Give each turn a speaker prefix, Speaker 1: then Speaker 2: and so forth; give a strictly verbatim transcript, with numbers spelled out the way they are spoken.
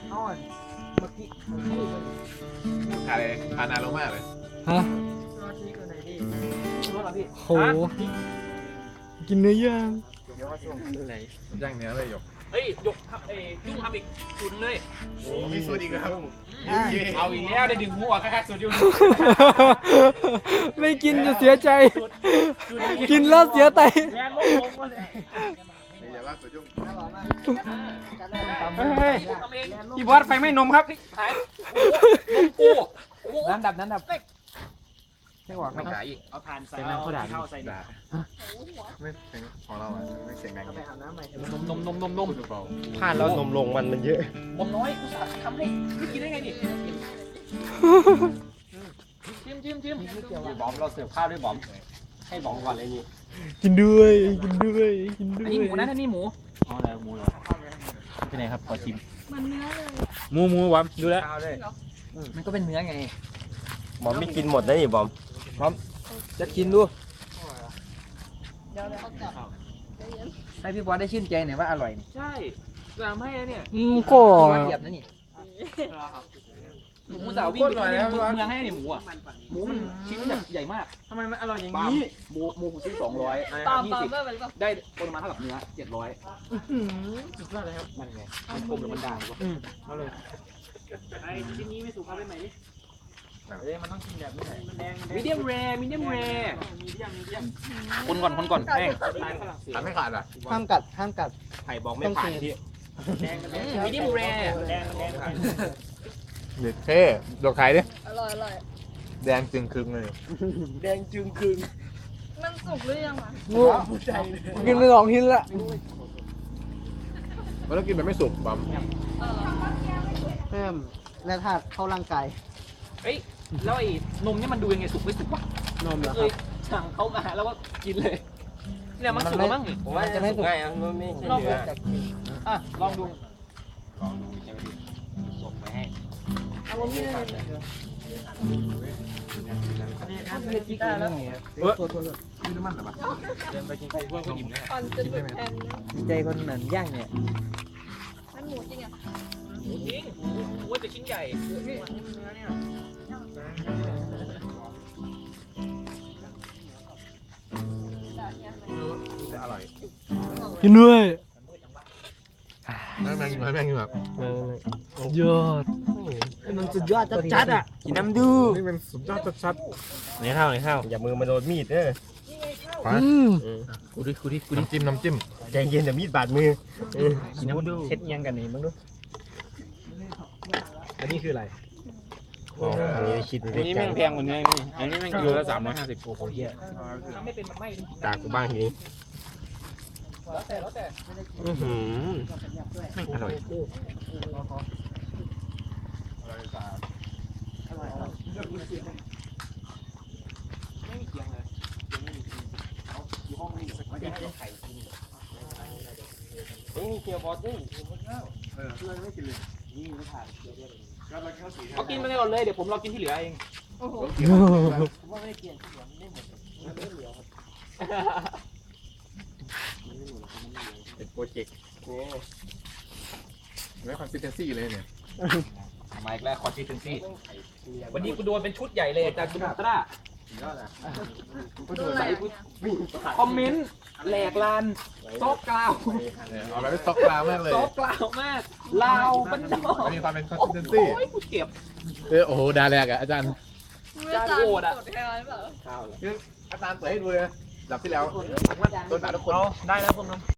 Speaker 1: เอาอ่ะเมื่อกี้เมื่อกี้มัน
Speaker 2: ขาดเลยขาดนานลงมากเลย
Speaker 3: ฮะ
Speaker 1: รถนี้ก็ไหนดิรถเหรอพี่
Speaker 3: โหกินเนื้อย่าง
Speaker 1: เดี๋ยวว่าส่งที่ไหน
Speaker 2: ย่างเนื้อเลยหยก
Speaker 4: เฮ้ยยกทำเอ้ยุ่งทำอีกจุดเลย
Speaker 2: โอ้มีสูตรอีกครับ
Speaker 4: เอาอีกแล้วได้ดึงหัวแค่สุดยุ่ง
Speaker 3: ไม่กินจะเสียใจ กินแล้วเสียใจ
Speaker 4: แรงลงลงมาเลย
Speaker 2: อย่าว่าสูตรยุ่ง
Speaker 4: เฮ้ยพี่บอสไฟไม่นมครับหายกู
Speaker 1: น้ำดับน้ำดับไม่หวัง
Speaker 4: ไม่
Speaker 1: นะครับ
Speaker 4: ขายอีกเอาทานใส่
Speaker 1: เป็นน้ำข้าวด่าง
Speaker 4: เข้าใส่
Speaker 2: ด่าไม่เสียงของเราอ่ะไม่เสียงดัง
Speaker 1: ก็ไปอาบน้ำใหม่
Speaker 4: นมนมนมนมนม
Speaker 2: พูดเบา
Speaker 5: พลาดแล้วนมลงมันมันเยอะ
Speaker 4: ผมน้อยกูสาทำให้ไม่กินได้ไงดิจิ้มจิ้มจิ้ม
Speaker 5: บอมเราเสิร์ฟข้าวด้วยบอมให้บอมก่อนเลยนี่
Speaker 3: กินด้วยกินด้วยกินด้ว
Speaker 4: อัน
Speaker 3: ย
Speaker 4: นี้หมูนะอันนี้หมู
Speaker 5: อ๋ออะไรหมูเหรอที่ไหนครับขอชิม
Speaker 6: มันเนื้อเลย
Speaker 5: หมูหมูบอมดูแล
Speaker 1: ข้าวเลย
Speaker 4: มันก็เป็นเนื้อไง
Speaker 5: บอมไม่กินหมดนะนี่บอม
Speaker 1: จะกินดู
Speaker 6: เดี๋ยวเขากลับใจเย็น
Speaker 1: ให้พี่บอลได้ชื่นใจหน่อยว่าอร่อยนี่
Speaker 4: ใช่จะทำให้เนี่ย
Speaker 3: อืมก็
Speaker 1: บอลเหยียบนะนี่
Speaker 4: หมูสาววิ่งไปเมืองให้เนี่ยหมูอ่ะหมูมันชิ้นแบบใหญ่มาก
Speaker 1: ทำไมมันอร่อยอย่าง
Speaker 4: นี้
Speaker 1: นี้
Speaker 4: หมูหมูผมซื้อสองร้อย
Speaker 6: ตาม
Speaker 4: ยี่
Speaker 6: ตาม
Speaker 4: สิบ
Speaker 6: เมื่อไหร่ป่ะ
Speaker 4: ได้ปริมาณเท่ากับเนื้อเจ็ดร้อย
Speaker 1: สุดยอดเลยครับ
Speaker 4: มันไงมันกลมหรือมันด่างวะ
Speaker 1: เอาเลย
Speaker 4: ไอ้ชิ้นนี้ไม่สุกเอาไปไหน
Speaker 1: เอ้ยมันต้องกินแบบนี้แหละมันแดง
Speaker 4: มีเดียมแรมีเดียมแรคนก่อนคนก่อนแป้ง
Speaker 2: ทำให้ขาดอ่ะ
Speaker 1: ห้ามกัดห้ามกัด
Speaker 5: ไข่บอกไม่ผ่านที่
Speaker 4: มีเดียมแร
Speaker 2: เด็ดเท่ดอกไข่ดิ
Speaker 6: อร่อยอร่อย
Speaker 2: แดงจึงครึงเลย
Speaker 1: แดงจึงคืน
Speaker 6: มันสุกหรือยังอ่ะ
Speaker 3: งูกินไปสองชิ้นละ
Speaker 2: มันต้องกินแบบไม่สุกปั๊ม
Speaker 6: เออ
Speaker 1: เพิ่มแร่ธาตุเข้าร่างกาย
Speaker 4: เฮ้ยแล้วไอ้นมเนี่ยมันดูยังไงสุกไม่สุกวะ
Speaker 1: นมเหรอ
Speaker 4: เค
Speaker 1: ครั
Speaker 4: ย
Speaker 1: บ
Speaker 4: สั่งเขามาแล้วก็กินเลยเนี่ยมันสุกแล้วมั้ง
Speaker 5: ผมว่าจะไม่ง่ายอ่ะมันไม่ใช่เนื้อ
Speaker 4: อ่ะลองดู
Speaker 5: ลองดูใช่ไหมดิส่งไปให้
Speaker 1: เอาวันนี้เลยเล่นกีตาร์แล้วเออตัวตัว
Speaker 2: นี่น้ำมันเหรอปะ
Speaker 4: เดินไปกินไข่พวกก็อิ่มแล้ว
Speaker 6: ก่อนจะหลุดแผ่นนะ
Speaker 1: ใจคนเหมือนย่างเนี่ย
Speaker 6: มันหมูจริงอ่ะ
Speaker 4: หมูจริงหมูว่าจะชิ้นใหญ่
Speaker 2: จะอร่อย
Speaker 3: กินด้วย
Speaker 2: แม่งแม่งแม่งแบบ
Speaker 3: ยอด
Speaker 1: มันสุดยอดจัดๆอ่ะ
Speaker 5: กินน้ำดู
Speaker 2: นี่เป็นสุดยอดชัด
Speaker 5: ในข้าวในข้าวอย่ามือมาโดนมีดเด้อ
Speaker 2: ๆไป
Speaker 3: อืม
Speaker 4: กูดิกูดิกูดิ
Speaker 2: น้ำจิ้มน้ำจิ้ม
Speaker 5: ใจเย็นเดี๋ยวมีดบาดมือ
Speaker 1: กินน้ำดูเช็ดยังกันนี่มึงดูอันนี้คืออะไร
Speaker 5: อ๋ออันนี้คิด
Speaker 4: อันนี้แม่งแพงกว่าเนื้อนี่อันนี้แม่งกิโลละสามร้อยห้าสิบโอ้โหเยอะทำไม่เป็นมันไม่
Speaker 5: ตากกูบ้างทีนี้
Speaker 4: แล้วแต่แล้วแต่
Speaker 5: อื้อหือไม่อร่อย
Speaker 4: ไม่มีเกียงเลยอยู่ห้องนี้อยู่ไม่ได้ให้ไข่
Speaker 5: เอ้ยมีเกี๊ยวบอสด้วย
Speaker 4: เขากินไปก่อนเลยเดี๋ยวผมรอกินที่เหลือเอง
Speaker 6: โอ้โห
Speaker 5: เป็นโปรเจกต์
Speaker 2: ไม่คอนซิสเทนซี่เลยเนี่ย
Speaker 4: มาอีกแล้วคอนซิสเทนซี่วันนี้กูโดนเป็นชุดใหญ่เลยจากคุณอัตราใส่กูคอมเมนต์แหลกลานซอกกล่าว
Speaker 2: เอาไปเป็นซ็อกกราวมากเลย
Speaker 4: ซอกกล่าวมากลาวบ้านนอก
Speaker 2: มีความเป็นคอนซิสเทนซี่
Speaker 4: โอ้ยกูเจ็บ
Speaker 2: เออโอ้โหดาแรกอ่ะอาจารย์
Speaker 6: ไม่จานโกรธแค่ไหนเปล่า
Speaker 2: อาจารย์เปิดให้ดูเลยดับที่แล้วโดนด่าทุกคน
Speaker 4: ได้แล้วผมน้อง